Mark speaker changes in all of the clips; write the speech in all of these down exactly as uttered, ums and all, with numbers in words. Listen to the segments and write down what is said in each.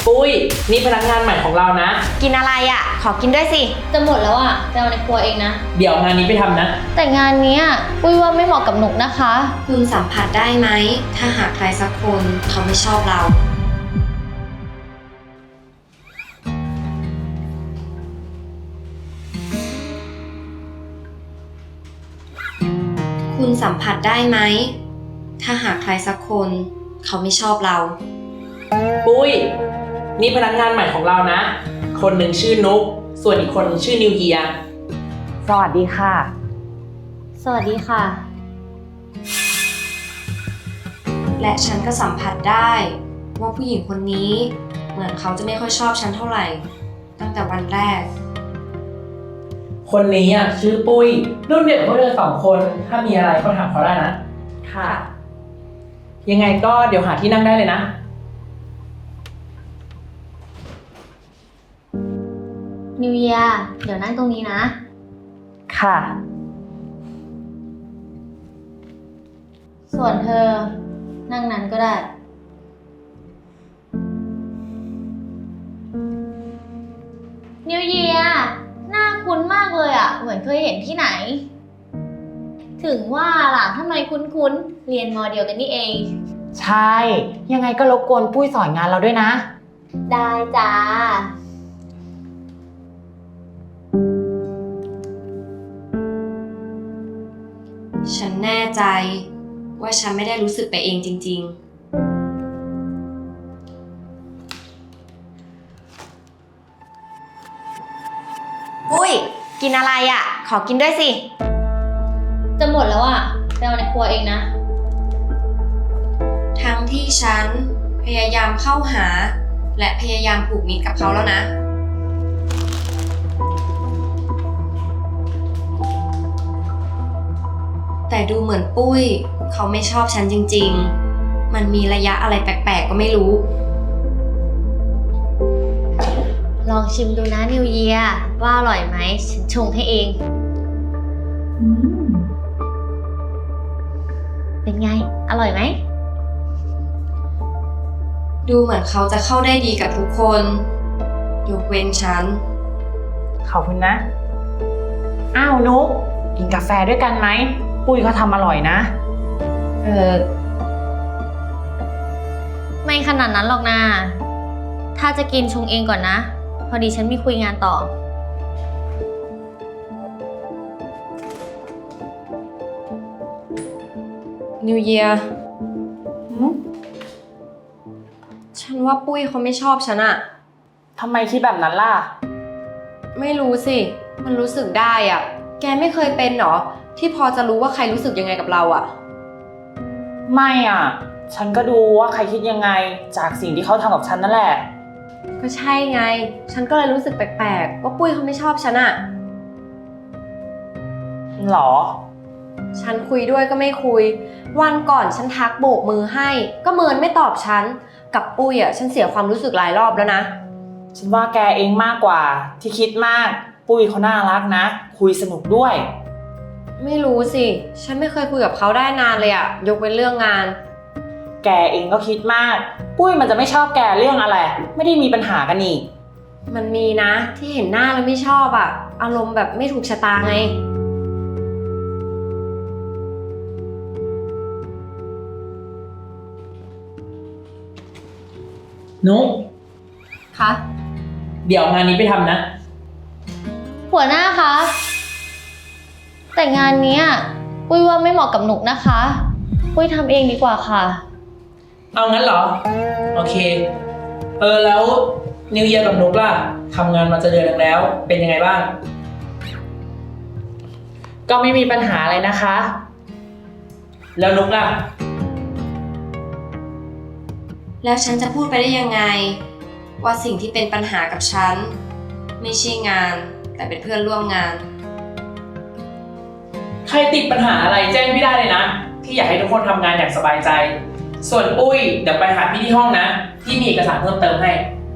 Speaker 1: ปุ้ยนี่พนักงานใหม่ของเรานะ
Speaker 2: กินอะไรอ่ะขอกินด้วยสิ
Speaker 3: จะหมดแล้วอ่ะจะเอาในครัวเองนะ
Speaker 1: เดี๋ยวงานนี้ไปทำนะ
Speaker 3: แต่งานนี้ปุ้ยว่าไม่เหมาะกับหนุกนะคะ
Speaker 2: คุณสัมผัสได้ไหมถ้าหากใครสักคนเขาไม่ชอบเราคุณสัมผัสได้ไหมถ้าหากใครสักคนเขาไม่ชอบเรา
Speaker 1: ปุ้ยนี่พนักงานใหม่ของเรานะคนหนึ่งชื่อนุ๊กส่วนอีกคนชื่อนิวเยีย
Speaker 4: สวัสดีค่ะ
Speaker 3: สวัสดีค่ะ
Speaker 2: และฉันก็สัมผัสได้ว่าผู้หญิงคนนี้เหมือนเขาจะไม่ค่อยชอบฉันเท่าไหร่ตั้งแต่วันแรก
Speaker 1: คนนี้อ่ะชื่อปุ้ยรุ่นเดียวกับพวกเธอสองคนถ้ามีอะไรก็ถามเขาได้นะ
Speaker 4: ค่ะ
Speaker 1: ยังไงก็เดี๋ยวหาที่นั่งได้เลยนะ
Speaker 3: นิวเยียเดี๋ยวนั่งตรงนี้นะ
Speaker 4: ค่ะ
Speaker 3: ส่วนเธอนั่งนั้นก็ได้นิวเยียหน้าคุ้นมากเลยอ่ะเหมือนเคยเห็นที่ไหนถึงว่าล่ะทำไมคุ้นๆเรียนมอเดียวกันนี่เอง
Speaker 4: ใช่ยังไงก็รบกวนปุ้ยสอนงานเราด้วยนะ
Speaker 3: ได้จ้า
Speaker 2: ฉันแน่ใจว่าฉันไม่ได้รู้สึกไปเองจริงๆปุ้ยกินอะไรอ่ะขอกินด้วยสิ
Speaker 3: จะหมดแล้วอ่ะไปเอาในครัวเองนะ
Speaker 2: ทั้งที่ฉันพยายามเข้าหาและพยายามผูกมิตรกับเขาแล้วนะแต่ดูเหมือนปุ้ยเขาไม่ชอบฉันจริงๆมันมีระยะอะไรแปลกๆก็ไม่รู้
Speaker 3: ลองชิมดูนะนิวเยียว่าอร่อยไหมฉันชงให้เองเป็นไงอร่อยไหม
Speaker 2: ดูเหมือนเขาจะเข้าได้ดีกับทุกคนยกเว้นฉัน
Speaker 4: ขอบคุณนะอ้าวนุ๊กกินกาแฟด้วยกันไหมปุ้ยเขาทำอร่อยนะ
Speaker 3: เออไม่ขนาดนั้นหรอกนะถ้าจะกินชงเองก่อนนะพอดีฉันมีคุยงานต่อ
Speaker 2: นิวเยียฉันว่าปุ้ยเขาไม่ชอบฉันอะ
Speaker 4: ทำไมคิดแบบนั้นล่ะ
Speaker 2: ไม่รู้สิมันรู้สึกได้อะแกไม่เคยเป็นหรอที่พอจะรู้ว่าใครรู้สึกยังไงกับเราอะ
Speaker 4: ไม่อ่ะฉันก็ดูว่าใครคิดยังไงจากสิ่งที่เขาทำกับฉันนั่นแหละ
Speaker 2: ก็ใช่ไงฉันก็เลยรู้สึกแปลกๆว่าปุ้ยเขาไม่ชอบฉันอะ
Speaker 4: หรอ
Speaker 2: ฉันคุยด้วยก็ไม่คุยวันก่อนฉันทักโบกมือให้ก็เมินไม่ตอบฉันกับปุ้ยอะฉันเสียความรู้สึกหลายรอบแล้วนะ
Speaker 4: ฉันว่าแกเองมากกว่าที่คิดมากปุ้ยเขาน่ารักนะคุยสนุกด้วย
Speaker 2: ไม่รู้สิฉันไม่เคยคุยกับเขาได้นานเลยอะยกเว้นเรื่องงาน
Speaker 4: แกเองก็คิดมากปุ้ยมันจะไม่ชอบแกเรื่องอะไรไม่ได้มีปัญหากันนี่
Speaker 2: มันมีนะที่เห็นหน้าแล้วไม่ชอบอะอารมณ์แบบไม่ถูกชะตาไง
Speaker 1: นุ๊ก
Speaker 3: คะ
Speaker 1: เดี๋ยวงานนี้ไปทำนะ
Speaker 3: หัวหน้าคะแต่งานนี้ปุ้ยว่าไม่เหมาะกับหนุกนะคะปุ้ยทำเองดีกว่าค่ะ
Speaker 1: เอางั้นเหรอโอเคเออแล้วนิวเยียร์กับนุ๊กล่ะทำงานมาจะเดือนนึงแล้วเป็นยังไงบ้าง
Speaker 4: ก็ไม่มีปัญหาอะไรนะคะ
Speaker 1: แล้วนุ๊กล่ะ
Speaker 2: แล้วฉันจะพูดไปได้ยังไงว่าสิ่งที่เป็นปัญหากับฉันไม่ใช่งานแต่เป็นเพื่อนร่วมงาน
Speaker 1: ใครติดปัญหาอะไรแจ้งพี่ได้เลยนะพี่อยากให้ทุกคนทำงานอย่างสบายใจส่วนปุ้ยเดี๋ยวไปหาพี่ที่ห้องนะพี่มีเอกสารเพิ่มเติมให้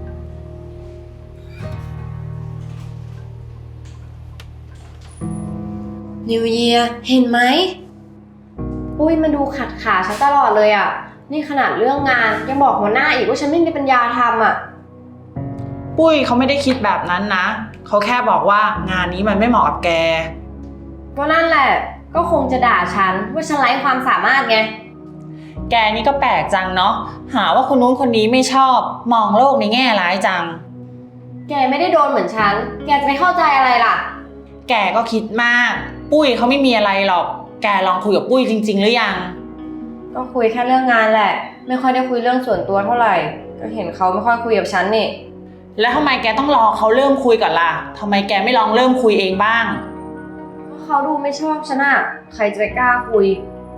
Speaker 2: นิวเยียร์เห็นไหมปุ้ยมาดูขัดขาฉันตลอดเลยอ่ะนี่ขนาดเรื่องงานยังบอกหัวหน้าอีกว่าฉันไม่มีปัญญาทำอ่ะ
Speaker 4: ปุ้ยเขาไม่ได้คิดแบบนั้นนะ เขาแค่บอกว่างานนี้มันไม่เหมาะกับแก
Speaker 2: ก็นั่นแหละ ก็คงจะด่าฉันว่าฉันไร้ความสามารถไง
Speaker 4: แกนี่ก็แปลกจังเนาะ หาว่าคนนู้นคนนี้ไม่ชอบ มองโลกในแง่ร้ายจัง
Speaker 2: แกไม่ได้โดนเหมือนฉัน แกจะไปเข้าใจอะไรล่ะ
Speaker 4: แกก็คิดมาก ปุ้ยเขาไม่มีอะไรหรอก แกลองคุยกับปุ้ยจริงๆหรือยัง
Speaker 2: ก็คุยแค่เรื่องงานแหละ ไม่ค่อยได้คุยเรื่องส่วนตัวเท่าไหร่ ก็เห็นเขาไม่ค่อยคุยกับฉันนี่
Speaker 4: แล้วทำไมแกต้องรอเขาเริ่มคุยก่อนล่ะทำไมแกไม่ลองเริ่มคุยเองบ้าง
Speaker 2: ก็เขาดูไม่ชอบฉันอะใครจะไปกล้าคุย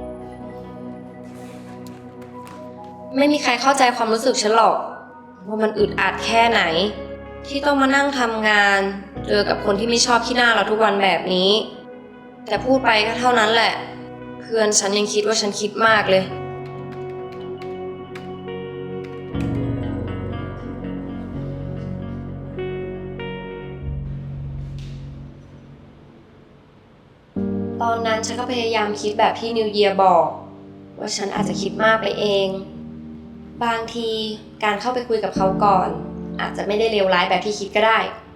Speaker 2: ไม่มีใครเข้าใจความรู้สึกฉันหรอกว่ามันอึดอัดแค่ไหน ที่ต้องมานั่งทำงานเจอกับคนที่ไม่ชอบขี้หน้าเราทุกวันแบบนี้ แต่พูดไปก็เท่านั้นแหละ เพื่อนฉันยังคิดว่าฉันคิดมากเลย ตอนนั้นฉันก็พยายามคิดแบบที่นิวเยียร์บอก ว่าฉันอาจจะคิดมากไปเอง บางทีการเข้าไปคุยกับเขาก่อน อาจจะไม่ได้เลวร้ายแบบที่คิดก็ได้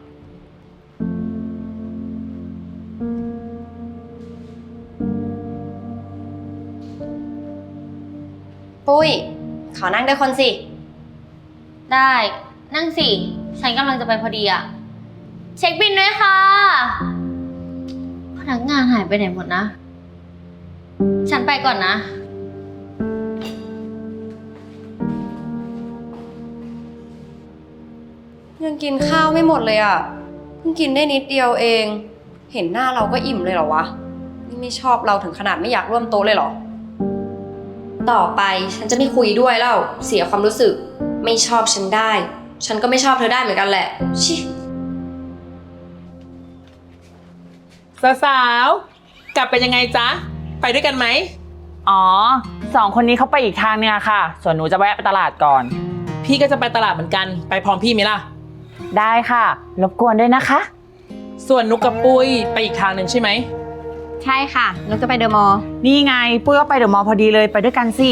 Speaker 2: ปุ้ย ขอนั่งด้วยคนสิ
Speaker 3: ได้ นั่งสิ ฉันกำลังจะไปพอดีอะเช็คบินด้วยค่ะ พนักงานหายไปไหนหมดนะ ฉันไปก่อนนะ
Speaker 2: ยังกินข้าวไม่หมดเลยอ่ะ เพิ่งกินได้นิดเดียวเอง เห็นหน้าเราก็อิ่มเลยเหรอวะ นี่ไม่ชอบเราถึงขนาดไม่อยากร่วมโต๊ะเลยเหรอ ต่อไปฉันจะไม่คุยด้วยแล้ว เสียความรู้สึก ไม่ชอบฉันได้ ฉันก็ไม่ชอบเธอได้เหมือนกันแหละ ชิ
Speaker 1: สาวๆ กลับเป็นยังไงจ๊ะ ไปด้วยกันไหม
Speaker 4: อ๋อ สองคนนี้เขาไปอีกทางเนี่ยค่ะ ส่วนหนูจะแวะไปตลาดก่อน
Speaker 1: พี่ก็จะไปตลาดเหมือนกัน ไปพร้อมพี่ไหมล่ะ
Speaker 4: ได้ค่ะ รบกวนด้วยนะคะ
Speaker 1: ส่วนนุกกับปุ้ยไปอีกทางหนึ่งใช่ไหม
Speaker 2: ใช่ค่ะนุกจะไปเดอะมอลล์
Speaker 4: นี่ไง ปุ้ยก็ไปเดอะมอลล์พอดีเลย ไปด้วยกันสิ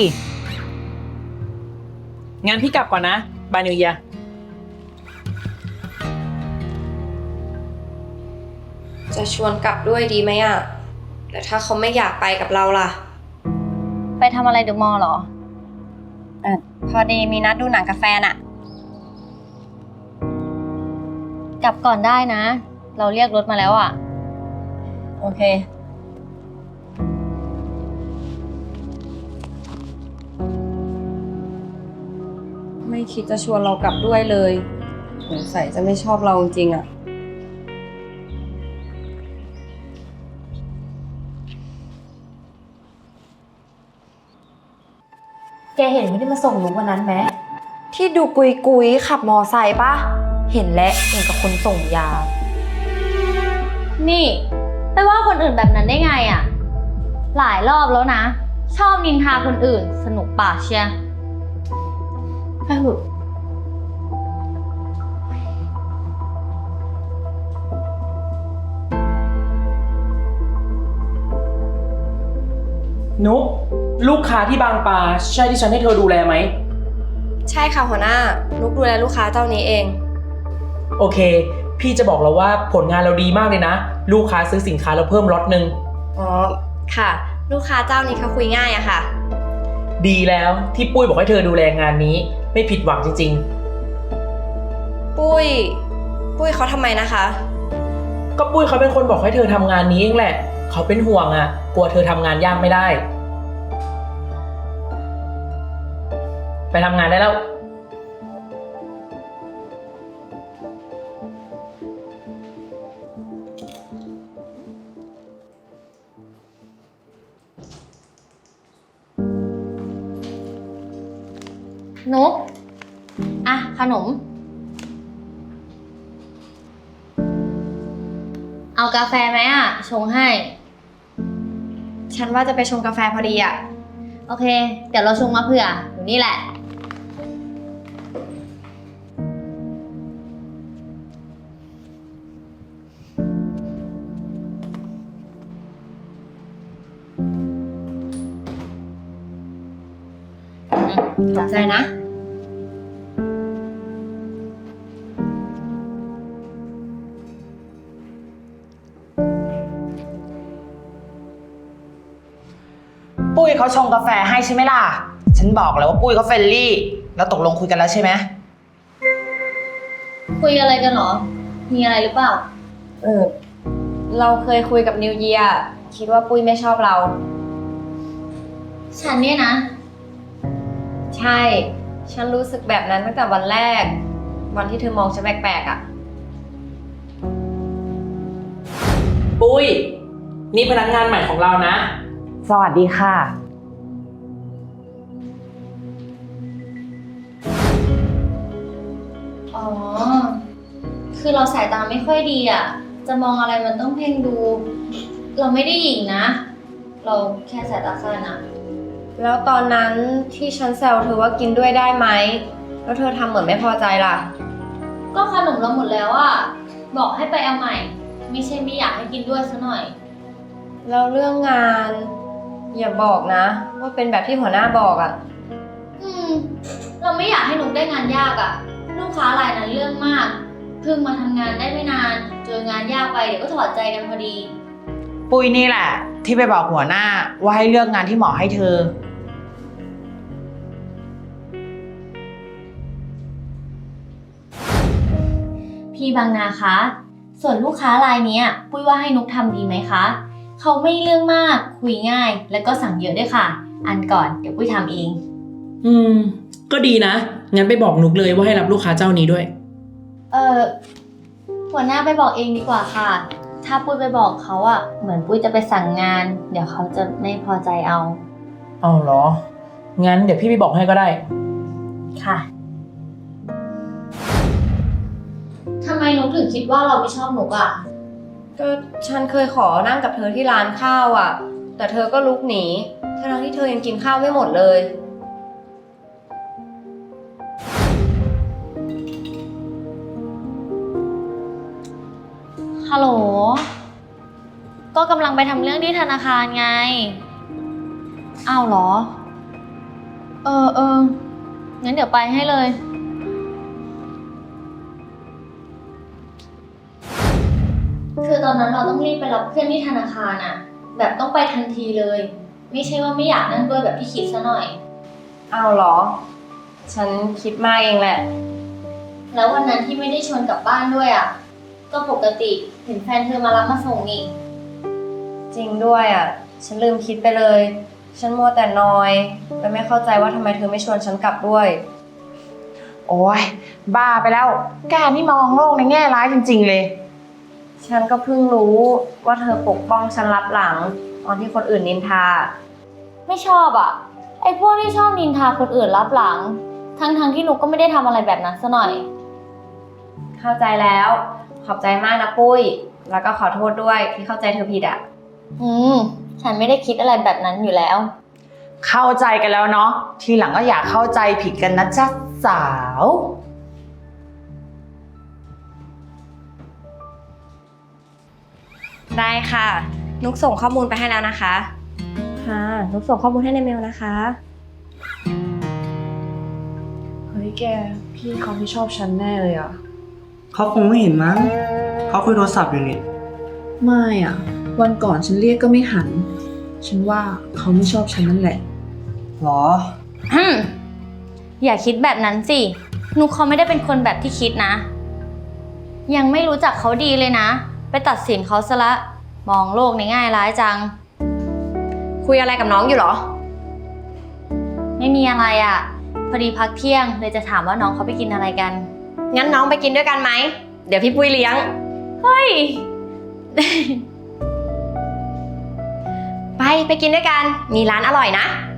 Speaker 1: งั้นพี่กลับก่อนนะ บายนิวเยียร์
Speaker 2: จะชวนกลับด้วยดีไหมอ่ะ แต่ถ้าเขาไม่อยากไปกับเราล่ะ
Speaker 3: ไปทำอะไรเดอะมอลล์เหรอ
Speaker 2: เออพอดีมีนัดดูหนังกับแฟนอ่ะ
Speaker 3: กลับก่อนได้นะ เราเรียกรถมาแล้วอะ
Speaker 2: โอเค ไม่คิดจะชวนเรากลับด้วยเลยสงสัยจะไม่ชอบเราจริงๆอ่ะ
Speaker 5: แกเห็นคนที่มาส่งนุกวันนั้นไหมที่ดูกุยกุยๆขับมอไซค์ปะเห็นและเห็นกับคนส่งยา
Speaker 3: นี่ไปว่าคนอื่นแบบนั้นได้ไงอะหลายรอบแล้วนะ ชอบนินทาคนอื่น สนุกปากเชีย
Speaker 5: ไปเถอะ
Speaker 1: นุกลูกค้าที่บางปลาใช่ที่ฉันให้เธอดูแลไหม
Speaker 2: ใช่ค่ะหัวหน้า นุกดูแลลูกค้าเจ้านี้เอง
Speaker 1: โอเค พี่จะบอกเราว่าผลงานเราดีมากเลยนะ ลูกค้าซื้อสินค้าเราเพิ่มล็อตหนึ่ง
Speaker 2: อ๋อ ค่ะ ลูกค้าเจ้านี้เขาคุยง่ายอะค่ะ
Speaker 1: ดีแล้วที่ปุ้ยบอกให้เธอดูแลงานนี้ ไม่ผิดหวังจริง
Speaker 2: ปุ้ย ปุ้ยเขาทำไมนะคะ
Speaker 1: ๆ ก็ปุ้ยเขาเป็นคนบอกให้เธอทำงานนี้เองแหละ เขาเป็นห่วงอ่ะ กลัวเธอทำงานยากไม่ได้ ไปทำงานได้แล้ว
Speaker 3: นุกอ่ะ ขนม เอากาแฟไหมอ่ะ ชงให้
Speaker 2: ฉันว่าจะไปชงกาแฟพอดีอะ
Speaker 3: โอเค เดี๋ยวเราชงมาเผื่อ อยู่นี่แหละ
Speaker 2: ขอบใจนะ
Speaker 4: เขาชงกาแฟให้ใช่ไหมล่ะ ฉันบอกแล้วว่าปุ้ยเขาเฟรนลี่ แล้วตกลงคุยกันแล้วใช่ไหม
Speaker 3: คุยอะไรกันเหรอ มีอะไรหรือเปล่า
Speaker 2: เออ เราเคยคุยกับนิวเยียร์คิดว่าปุ้ยไม่ชอบเรา
Speaker 3: ฉันเนี่ยนะ
Speaker 2: ใช่ ฉันรู้สึกแบบนั้นตั้งแต่วันแรก วันที่เธอมองฉันแปลกๆอ่ะ
Speaker 1: ปุ้ย นี่พนักงานใหม่ของเรานะ
Speaker 4: สวัสดีค่ะ
Speaker 3: อ๋อ คือเราสายตาไม่ค่อยดีอ่ะ จะมองอะไรมันต้องเพ่งดู เราไม่ได้หญิงนะ เราแค่สายตาสั้นอ่ะ
Speaker 2: แล้วตอนนั้นที่ฉันแซวเธอว่ากินด้วยได้ไหม แล้วเธอทำเหมือนไม่พอใจล่ะ
Speaker 3: ก็ขนมเราหมดแล้วอ่ะ บอกให้ไปเอาใหม่ ไม่ใช่ไม่อยากให้กินด้วยซะหน่อย
Speaker 2: แล้วเรื่องงาน อย่าบอกนะ ว่าเป็นแบบที่หัวหน้าบอกอ่ะ
Speaker 3: อืม เราไม่อยากให้นุกได้งานยากอ่ะ ลูกค้ารายนั้นเรื่องมาก เพิ่งมาทำงานได้ไม่นาน เจองานยากไปเดี๋ยวก็ถอดใจกันพอดี
Speaker 4: ปุ้ยนี่แหละ ที่ไปบอกหัวหน้าว่าให้เลือกงานที่เหมาะให้เธอ
Speaker 3: พี่บางนาคะ ส่วนลูกค้ารายเนี้ย ปุ้ยว่าให้นุกทำดีไหมคะ เขาไม่เรื่องมาก คุยง่าย แล้วก็สั่งเยอะด้วยค่ะ อันก่อนเดี๋ยวปุ้ยทำเอง
Speaker 1: อืม ก็ดีนะ งั้นไปบอกนุกเลยว่าให้รับลูกค้าเจ้านี้ด้วย
Speaker 3: เออหัวหน้าไปบอกเองดีกว่าค่ะ ถ้าปุ้ยไปบอกเขาอะเหมือนปุ้ยจะไปสั่งงาน เดี๋ยวเขาจะไม่พอใจเอา
Speaker 1: เอาเหรอ งั้นเดี๋ยวพี่ไปบอกให้ก็ได้
Speaker 3: ค่ะทำไมนุกถึงคิดว่าเราไม่ชอบนุกอะ
Speaker 2: ก็ฉันเคยขอนั่งกับเธอที่ร้านข้าวอ่ะ แต่เธอก็ลุกหนีทั้งที่เธอยังกินข้าวไม่หมดเลย
Speaker 3: ฮัลโหล ก็กำลังไปทำเรื่องที่ธนาคารไง อ้าวเหรอ เออเอองั้นเดี๋ยวไปให้เลย คือตอนนั้นเราต้องรีบไปรับเพื่อนที่ธนาคารอะแบบต้องไปทันทีเลย ไม่ใช่ว่าไม่อยากนั่งด้วยแบบที่คิดซะหน่อย
Speaker 2: เอาเหรอ ฉันคิดมากเองแหละ
Speaker 3: แล้ววันนั้นที่ไม่ได้ชวนกลับบ้านด้วยอะก็ปกติเห็นแฟนเธอมารับมาส่งนี่
Speaker 2: จริงด้วยอ่ะ ฉันลืมคิดไปเลย ฉันมัวแต่นอยและไม่เข้าใจว่าทำไมเธอไม่ชวนฉันกลับด้วย
Speaker 4: โอ้ยบ้าไปแล้ว แกนี่มองโลกในแง่ร้ายจริงๆเลย
Speaker 2: ฉันก็เพิ่งรู้ว่าเธอปกป้องฉันรับหลังตอนที่คนอื่นนินทา
Speaker 3: ไม่ชอบอะไอ้พวกที่ชอบนินทาคนอื่นรับหลัง ทั้งๆที่หนูก็ไม่ได้ทำอะไรแบบนั้นซะหน่อย
Speaker 2: เข้าใจแล้ว ขอบใจมากนะปุ้ย แล้วก็ขอโทษด้วยที่เข้าใจเธอผิดอ่ะ
Speaker 3: อืม ฉันไม่ได้คิดอะไรแบบนั้นอยู่แล้ว
Speaker 4: เข้าใจกันแล้วเนาะ ทีหลังก็อย่าเข้าใจผิดกันนะจ๊ะสาว
Speaker 2: ได้ค่ะ นุกส่งข้อมูลไปให้แล้วนะคะ ค่ะ นุกส่งข้อมูลให้ในเมลนะคะ
Speaker 6: เฮ้ยแก พี่เขาไม่ชอบฉันแน่เลยอะ
Speaker 7: เขาคงไม่เห็นมั้ง เขาคุยโทรศัพท์อยู่นี่
Speaker 6: ไม่อะวันก่อนฉันเรียกก็ไม่หัน ฉันว่าเขาไม่ชอบฉันนั่นแหละ
Speaker 7: หรอ
Speaker 3: อืม อย่าคิดแบบนั้นสิ นุกเขาไม่ได้เป็นคนแบบที่คิดนะ ยังไม่รู้จักเขาดีเลยนะ ไปตัดสินเขาซะละ มองโลกในง่ายร้ายจัง
Speaker 2: คุยอะไรกับน้องอยู่เหรอ
Speaker 3: ไม่มีอะไรอะ่ะ พอดีพักเที่ยงเลยจะถามว่าน้องเขาไปกินอะไรกัน
Speaker 2: งั้นน้องไปกินด้วยกันไหม เดี๋ยวพี่ปุ้ยเลี้ยง
Speaker 3: เฮ้ย
Speaker 2: ไปไปกินด้วยกัน มีร้านอร่อยนะ